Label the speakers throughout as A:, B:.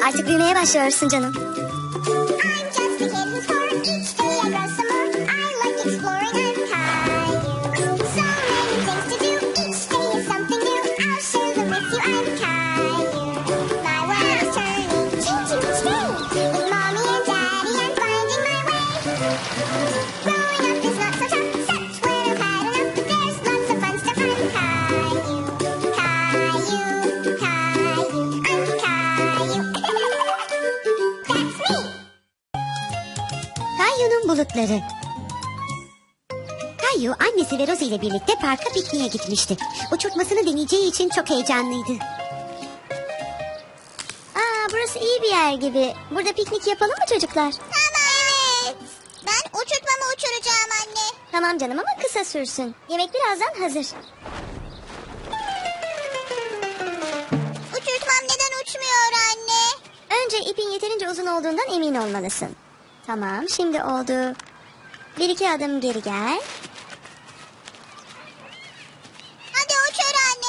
A: Artık büyümeye başlıyorsun canım.
B: I'm just a kid who's four. Each day I grow some more. I like exploring. I'm Caillou. So many things to do. Each day is something new. I'll share them with you. I'm Caillou. My world is turning, changing each day. With mommy and daddy, I'm finding my way. Growing up is not so tough, except when I've had enough. There's lots of fun stuff. I'm Caillou. Caillou. Caillou. I'm Caillou. That's me.
A: Kayyu'nun bulutları. Kayyu annesi ve Rosie ile birlikte parka pikniğe gitmişti. Uçurtmasını deneyeceği için çok heyecanlıydı. Burası iyi bir yer gibi. Burada piknik yapalım mı çocuklar?
B: Tamam. Evet. Ben uçurtmamı uçuracağım anne.
A: Tamam canım ama kısa sürsün. Yemek birazdan hazır.
B: Uçurtmam neden uçmuyor anne?
A: Önce ipin yeterince uzun olduğundan emin olmalısın. Tamam, şimdi oldu. Bir iki adım geri gel.
B: Hadi uçur anne.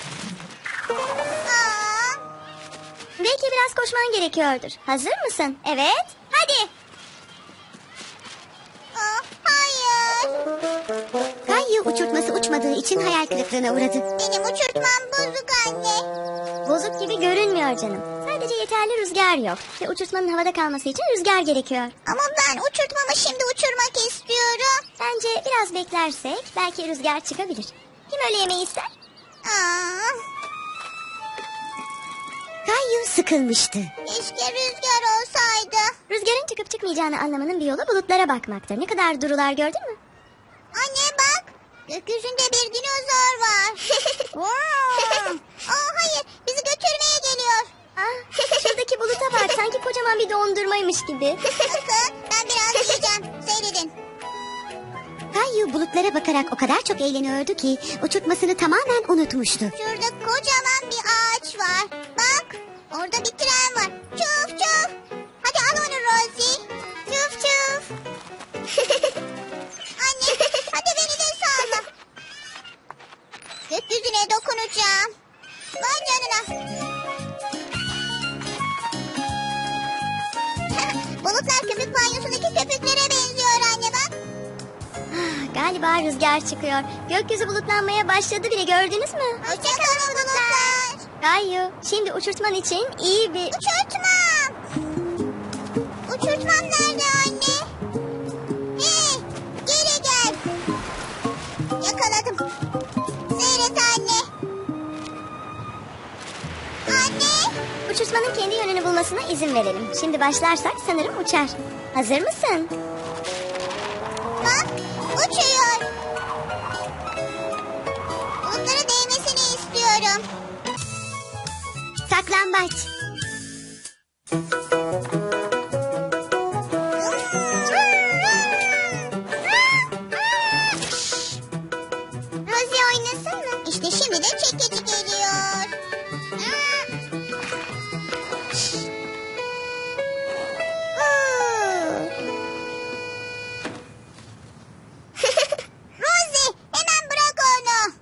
B: Aa,
A: Belki biraz koşman gerekiyordur. Hazır mısın? Evet. Hadi.
B: hayır.
A: Kayyu uçurtması uçmadığı için hayal kırıklığına uğradı.
B: Benim uçurtmam bozuk anne.
A: Bozuk gibi görünmüyor canım. Sadece yeterli rüzgar yok. Ve uçurtmanın havada kalması için rüzgar gerekiyor.
B: Ama ben uçurtmamı şimdi uçurmak istiyorum.
A: Bence biraz beklersek belki rüzgar çıkabilir. Kim öyle yemeği ister?
B: Aa,
A: Kayyu sıkılmıştı.
B: keşke rüzgar olsaydı.
A: Rüzgarın çıkıp çıkmayacağını anlamanın bir yolu bulutlara bakmaktır. Ne kadar durular gördün mü?
B: Anne bak. Gökyüzünde bir dinozor var. Hayır, bizi götürmeye geliyor.
A: Şuradaki buluta bak, sanki kocaman bir dondurmaymış gibi.
B: Bakın, ben biraz yiyeceğim. Seyredin.
A: Kayyu bulutlara bakarak o kadar çok eğleniyordu ki uçurtmasını tamamen unutmuştu.
B: Şurada kocaman bir ağaç var. Bak, orada bir tren var. Çuf çuf. Hadi al onu Rosie. Çuf çuf. Anne, hadi beni de salla. Gökyüzüne dokunacağım. Vay canına. Bulutlar köpük banyosundaki köpüklere benziyor anne bak.
A: Galiba rüzgar çıkıyor. Gökyüzü bulutlanmaya başladı bile, gördünüz mü?
B: Hoşçakalın bulutlar.
A: Kayyu, şimdi uçurtman için iyi bir...
B: Uçurtmam. Uçurtmam nerede anne? Hey, geri gel. Yakaladım. Seyret anne. Anne.
A: Uçurtmanın kendi yönünü bulmasına izin verelim. Şimdi başlarsak sanırım uçar. Hazır mısın?
B: Bak, uçuyor. Bulutlara değmesini istiyorum.
A: Saklambaç.
B: Rosie oynasın mı? İşte şimdi de çekici geliyor. Rosie, hemen bırak onu.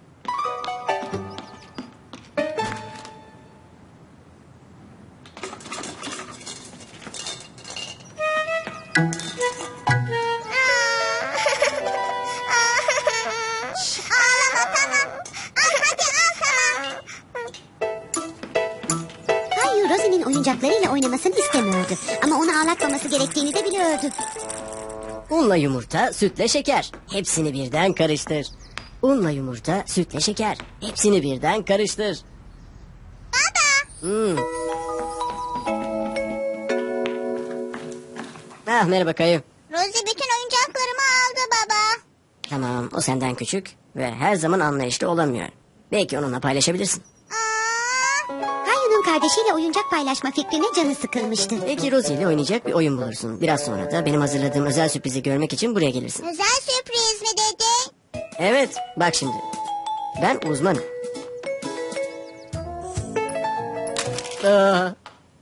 B: Ağlama tamam. Hadi al tamam.
A: Kayyu Rosie'nin oyuncaklarıyla oynamasını istemiyordu. Ama onu ağlatmaması gerektiğini de biliyordu.
C: Unla yumurta, sütle şeker. Hepsini birden karıştır. Unla yumurta, sütle şeker. Hepsini birden karıştır.
B: Baba.
C: Merhaba Kayı.
B: Rosie bütün oyuncaklarımı aldı baba.
C: Tamam, o senden küçük ve her zaman anlayışlı olamıyor. Belki onunla paylaşabilirsin.
A: Kayyu'nun kardeşiyle oyuncak paylaşma fikrine canı sıkılmıştı.
C: Belki Rosie ile oynayacak bir oyun bulursun. Biraz sonra da benim hazırladığım özel sürprizi görmek için buraya gelirsin.
B: Özel sürpriz mi dedi?
C: Evet, bak şimdi. Ben uzmanım. Aa,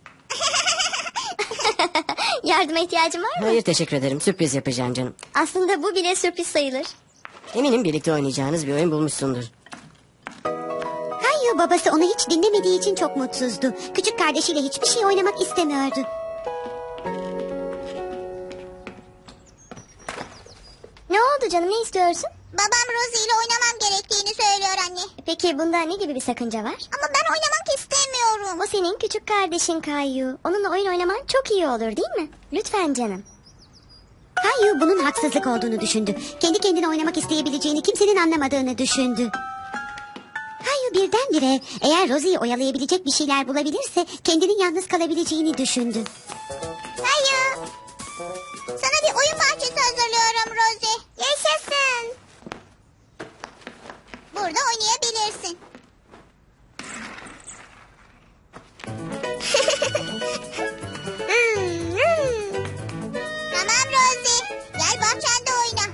A: Yardıma ihtiyacın var mı?
C: hayır teşekkür ederim. Sürpriz yapacağım canım.
A: Aslında bu bile sürpriz sayılır.
C: Eminim birlikte oynayacağınız bir oyun bulmuşsundur.
A: Kayyu
D: babası onu hiç dinlemediği için çok mutsuzdu. Küçük kardeşiyle hiçbir şey oynamak istemiyordu.
A: Ne oldu canım, ne istiyorsun?
B: Babam Rosie ile oynamam gerektiğini söylüyor anne.
A: Peki bunda ne gibi bir sakınca var?
B: Ama ben oynamak istemiyorum.
A: O senin küçük kardeşin Kayu. Onunla oyun oynaman çok iyi olur değil mi? Lütfen canım.
D: Kayu bunun haksızlık olduğunu düşündü. Kendi kendine oynamak isteyebileceğini kimsenin anlamadığını düşündü. Kayu birdenbire eğer Rosie'yi oyalayabilecek bir şeyler bulabilirse kendinin yalnız kalabileceğini düşündü.
B: Hayır. Sana bir oyun bahçesi hazırlıyorum Rosie. Yaşasın. Burada oynayabilirsin. Tamam Rosie. Gel bahçende oyna.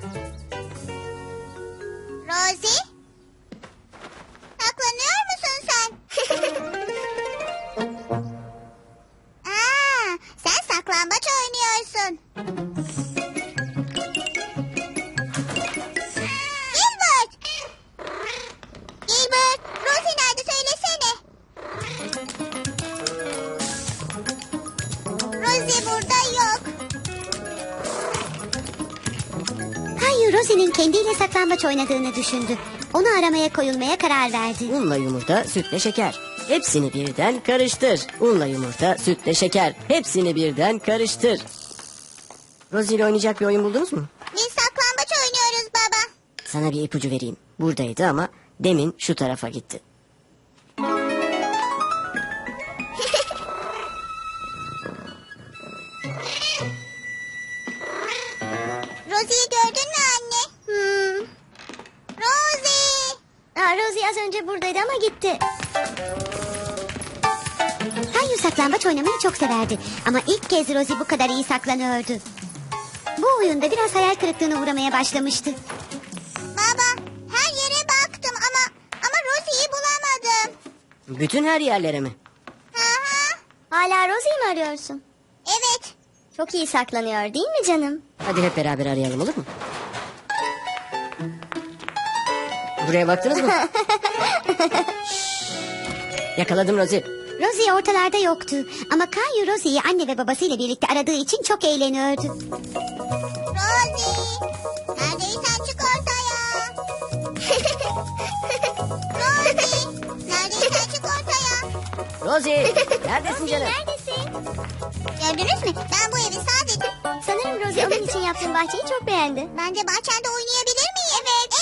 B: Rosie? Saklanıyor musun sen? Aa, sen saklambaç oynuyorsun. Gilbert! Gilbert, Rosie nerede söylesene. Rosie burada yok.
D: Kayu Rosie'nin kendiyle saklambaç oynadığını düşündü. Onu aramaya koyulmaya karar verdi.
C: Unla yumurta, sütle şeker. Hepsini birden karıştır. Unla yumurta, sütle şeker. Hepsini birden karıştır. Rosie ile oynayacak bir oyun buldunuz mu?
B: Biz saklambaç oynuyoruz baba.
C: Sana bir ipucu vereyim. Buradaydı ama demin şu tarafa gitti.
B: Rosie'yi gördün mü anne? Rosie!
A: Rosie az önce buradaydı ama gitti.
D: Kayu saklambaç oynamayı çok severdi. Ama ilk kez Rosie bu kadar iyi saklanıyordu. Bu oyunda biraz hayal kırıklığına uğramaya başlamıştı.
B: Baba, her yere baktım ama Rosie'yi bulamadım.
C: Bütün her yerlere mi?
B: Hı hı.
A: Hala Rosie'yi mi arıyorsun?
B: Evet.
A: Çok iyi saklanıyor değil mi canım?
C: Hadi hep beraber arayalım, olur mu? Buraya baktınız mı? Şşş. Yakaladım Rosie.
D: Rosie ortalarda yoktu. Ama Kayu Rosie'yi anne ve babasıyla birlikte aradığı için çok eğleniyordu.
B: Rosie, neredeysen çık ortaya. Rosie, neredeysen çık ortaya.
C: Rosie, neredesin canım?
A: Neredesin?
B: Gördünüz mü? Ben bu evi sadece...
A: Sanırım Rosie onun için yaptığın bahçeyi çok beğendi.
B: Bence bahçende oynayabilir miyim? Evet.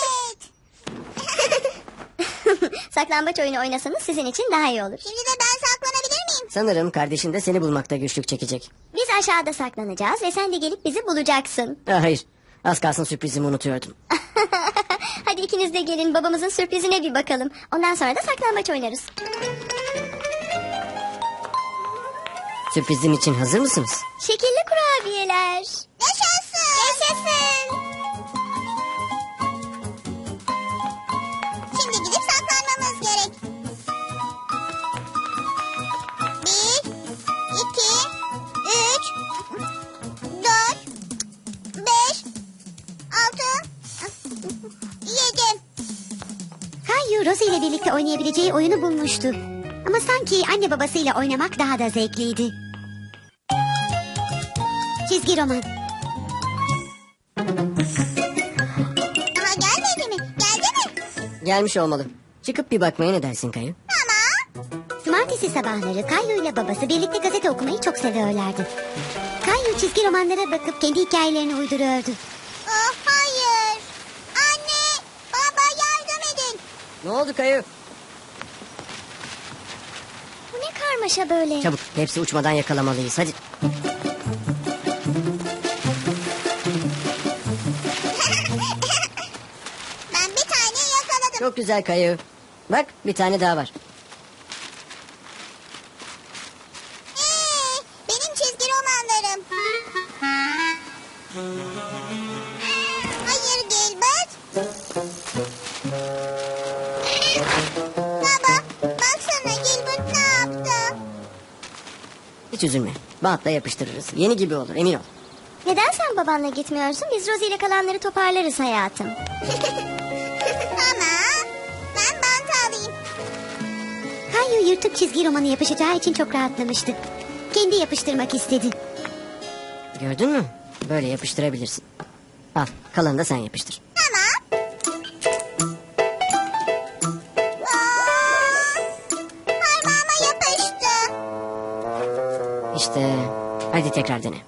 A: Saklambaç oyunu oynasanız sizin için daha iyi olur.
B: Şimdi de ben saklanabilir miyim?
C: Sanırım kardeşin de seni bulmakta güçlük çekecek.
A: Biz aşağıda saklanacağız ve sen de gelip bizi bulacaksın.
C: Hayır, az kalsın sürprizimi unutuyordum.
A: Hadi ikiniz de gelin babamızın sürprizine bir bakalım. Ondan sonra da saklambaç oynarız.
C: Sürprizim için hazır mısınız?
A: Şekilli kurabiyeler.
B: Yaşasın. Yaşasın. Şimdi gidip saklanmamız gerek. 1, 2, 3, 4, 5, 6, 7.
D: Kayu Rosie ile birlikte oynayabileceği oyunu bulmuştu. Ama sanki anne babasıyla oynamak daha da zevkliydi. Çizgi roman.
B: Daha gelmedi mi? Geldi mi?
C: Gelmiş olmalı. Çıkıp bir bakmaya ne dersin Kayu?
B: Tamam.
D: Cumartesi sabahları Kayu ile babası birlikte gazete okumayı çok seviyorlardı. Kayu çizgi romanlara bakıp kendi hikayelerini uyduruyordu.
B: Oh hayır. Anne, baba yardım edin.
C: Ne oldu Kayu?
A: Bu ne karmaşa böyle?
C: Çabuk, hepsi uçmadan yakalamalıyız, hadi.
B: Ben bir tane yakaladım.
C: Çok güzel Kayu. Bak, bir tane daha var.
B: Benim çizgi romanlarım. Hayır Gilbert. Baba, baksana Gilbert ne yaptı?
C: Hiç üzülme. Bantla yapıştırırız. Yeni gibi olur, emin ol.
A: Neden sen babanla gitmiyorsun? Biz Rosie ile kalanları toparlarız hayatım.
B: Tamam. Ben bant alayım.
D: yırtık çizgi romanı yapışacağı için çok rahatlamıştı. Kendi yapıştırmak istedi.
C: Gördün mü? Böyle yapıştırabilirsin. Al, kalanını da sen yapıştır.
B: Tamam. Aa, parmağıma yapıştı.
C: İşte, hadi tekrar dene.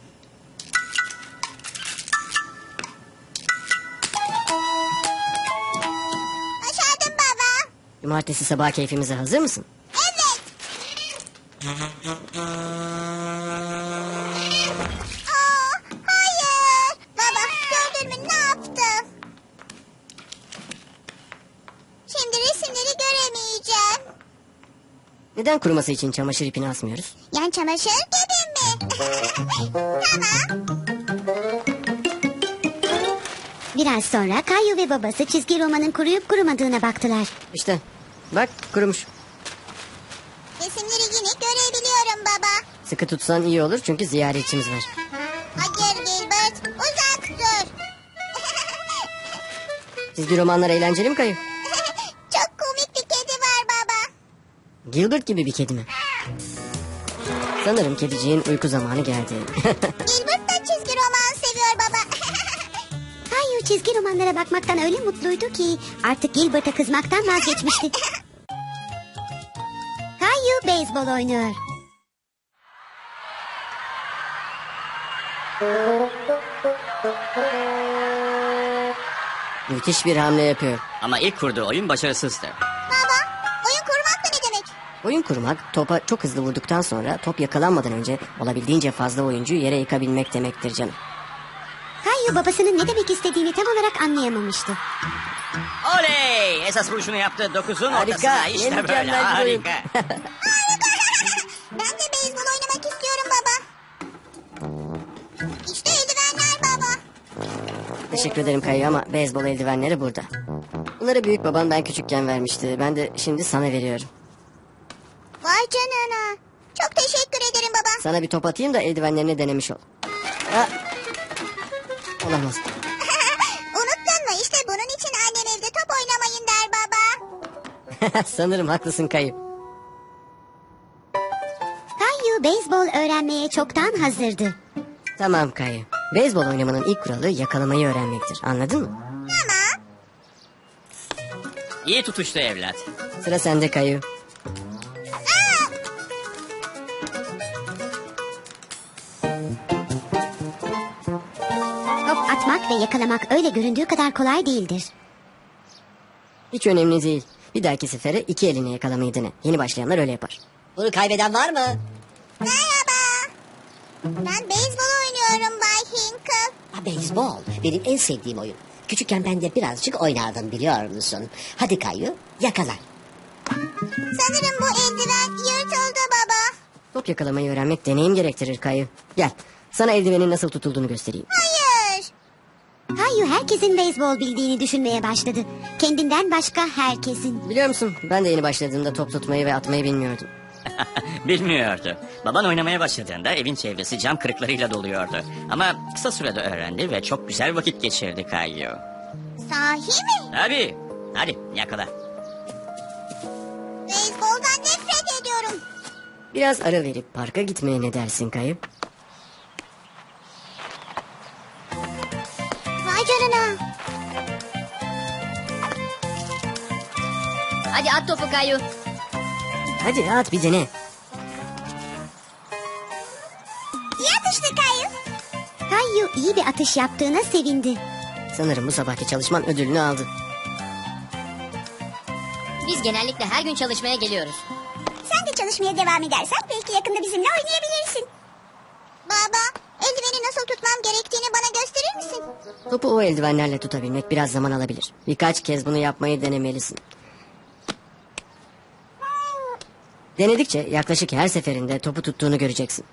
B: Başardım baba.
C: Cumartesi sabah keyfimize hazır mısın?
B: Evet. Hayır. Baba gördün mü ne yaptım? Şimdi resimleri göremeyeceğim.
C: Neden kuruması için çamaşır ipini asmıyoruz?
B: Yan çamaşır gibi mi? Tamam.
D: Biraz sonra Kayu ve babası çizgi romanın kuruyup kurumadığına baktılar.
C: İşte, bak kurumuş.
B: Resimleri yine görebiliyorum baba.
C: Sıkı tutsan iyi olur çünkü ziyaretçimiz var.
B: Hayır Gilbert, uzak dur.
C: Çizgi romanlar eğlenceli mi Kayu?
B: Çok komik bir kedi var baba.
C: Gilbert gibi bir kedi mi? Sanırım kediciğin uyku zamanı geldi.
B: Gilbert da çizgi roman seviyor baba.
D: Kayu çizgi romanlara bakmaktan öyle mutluydu ki artık Gilbert'a kızmaktan vazgeçmişti. Kayu beyzbol oynuyor.
C: Müthiş bir hamle yapıyor.
E: Ama ilk kurduğu oyun başarısızdı.
B: Baba, oyun kurmak da ne demek?
C: Oyun kurmak, topa çok hızlı vurduktan sonra top yakalanmadan önce olabildiğince fazla oyuncuyu yere yıkabilmek demektir canım.
D: Kayu babasının ne demek istediğini tam olarak anlayamamıştı.
E: Oley! Esas vuruşunu yaptı. 9'un
C: Harika,
E: ortasına.
C: ne
E: İşte böyle.
C: mükemmel bir oyun.
E: Harika.
B: Ben de beyzbol oynamak istiyorum baba. İşte eldivenler baba.
C: Teşekkür ederim Kayu ama beyzbol eldivenleri burada. Bunları büyük babam ben küçükken vermişti. Ben de şimdi sana veriyorum.
B: Vay canına. Çok teşekkür ederim baba.
C: Sana bir top atayım da eldivenlerini denemiş ol. Ha. Olamaz.
B: Unuttun mu? İşte bunun için annem evde top oynamayın der baba.
C: Sanırım haklısın Kayu.
D: Kayu beyzbol öğrenmeye çoktan hazırdı.
C: Tamam Kayu. Beyzbol oynamanın ilk kuralı yakalamayı öğrenmektir. Anladın mı?
B: Tamam.
E: İyi tutuştu evlat.
C: Sıra sende Kayu.
D: Top atmak ve yakalamak öyle göründüğü kadar kolay değildir.
C: Hiç önemli değil. Bir dahaki sefere iki eline yakalamayı dene. Yeni başlayanlar öyle yapar. Bunu kaybeden var mı?
B: Merhaba. Ben beyzbol oynuyorum Bay Hinkle.
F: Ha, beyzbol benim en sevdiğim oyun. Küçükken ben de birazcık oynardım biliyor musun? Hadi Kayu yakala.
B: Sanırım bu eldiven yırtıldı baba.
C: Top yakalamayı öğrenmek deneyim gerektirir Kayu. Gel. Sana eldivenin nasıl tutulduğunu göstereyim.
B: Hayır.
D: Kayu herkesin beyzbol bildiğini düşünmeye başladı. Kendinden başka herkesin.
C: Biliyor musun? Ben de yeni başladığımda top tutmayı ve atmayı bilmiyordum.
E: Bilmiyordu. Baban oynamaya başladığında evin çevresi cam kırıklarıyla doluyordu. Ama kısa sürede öğrendi ve çok güzel vakit geçirdi Kayu.
B: Sahi mi?
E: Tabii. Hadi yakala.
B: Beyzboldan nefret ediyorum.
C: Biraz ara verip parka gitmeye ne dersin Kayu?
B: Vay canına.
C: Hadi at topu Kayu. Hadi at bir dene.
B: İyi atıştı Kayu.
D: Kayu iyi bir atış yaptığına sevindi.
C: Sanırım bu sabahki çalışman ödülünü aldı.
G: Biz genellikle her gün çalışmaya geliyoruz.
B: Sen de çalışmaya devam edersen belki yakında bizimle oynayabilirsin. Baba, eldiveni nasıl tutmam gerektiğini bana gösterir misin?
C: Topu o eldivenlerle tutabilmek biraz zaman alabilir. Birkaç kez bunu yapmayı denemelisin. Denedikçe yaklaşık her seferinde topu tuttuğunu göreceksin.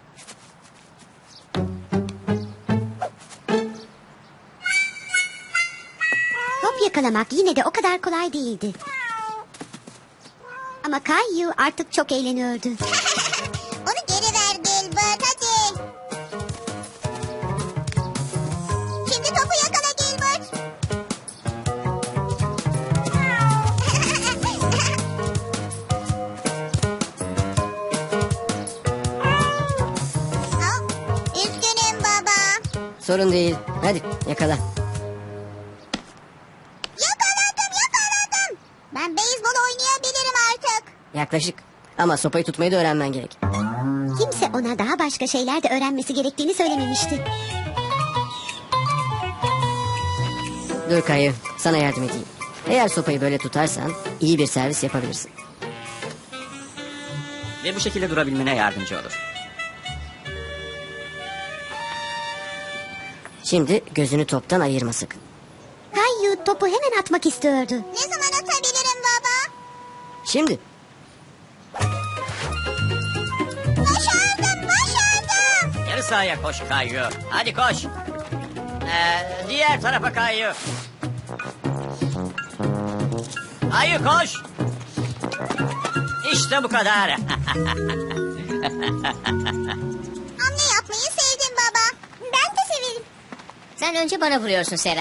D: Top yakalamak yine de o kadar kolay değildi. Ama Kayu artık çok eğleniyordu.
B: Onu geri ver Gilbert, hadi. Şimdi topu yakala Gilbert.
C: Sorun değil. Hadi yakala.
B: Yakaladım. Ben beyzbol oynayabilirim artık.
C: Yaklaşık. Ama sopayı tutmayı da öğrenmen gerek.
D: Kimse ona daha başka şeyler de öğrenmesi gerektiğini söylememişti.
C: Dur Kayu, sana yardım edeyim. Eğer sopayı böyle tutarsan iyi bir servis yapabilirsin.
E: Ve bu şekilde durabilmene yardımcı olur.
C: Şimdi gözünü toptan ayırma sakın.
D: Kayu topu hemen atmak istiyordu.
B: Ne zaman atabilirim baba?
C: Şimdi
B: Başardım.
E: Yarı sahaya koş Kayu. Hadi koş. Diğer tarafa Kayu. Kayu koş. İşte bu kadar.
B: Hamle yapmayı sevdim baba. Ben de severim.
G: Sen önce bana vuruyorsun Sera.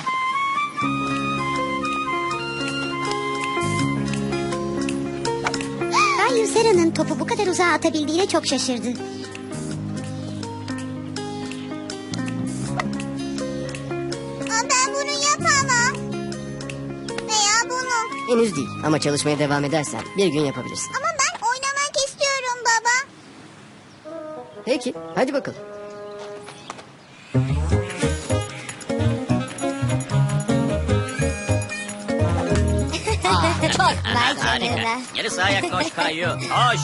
D: Kayu Sera'nın topu bu kadar uzağa atabildiğine çok şaşırdı.
B: Ben bunu yapamam. Veya bunu.
C: henüz değil ama çalışmaya devam edersen bir gün yapabilirsin.
B: Ama ben oynamak istiyorum baba.
C: Peki, hadi bakalım.
G: Çok vay
E: Harika.
G: canına.
E: Yarı sahaya koş Kayu. Koş.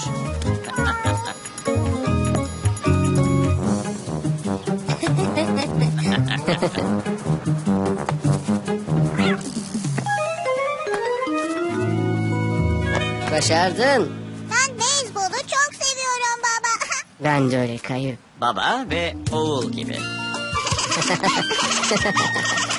C: Başardın.
B: Ben beyzbolu çok seviyorum baba.
C: Ben de öyle Kayu.
E: Baba ve oğul gibi.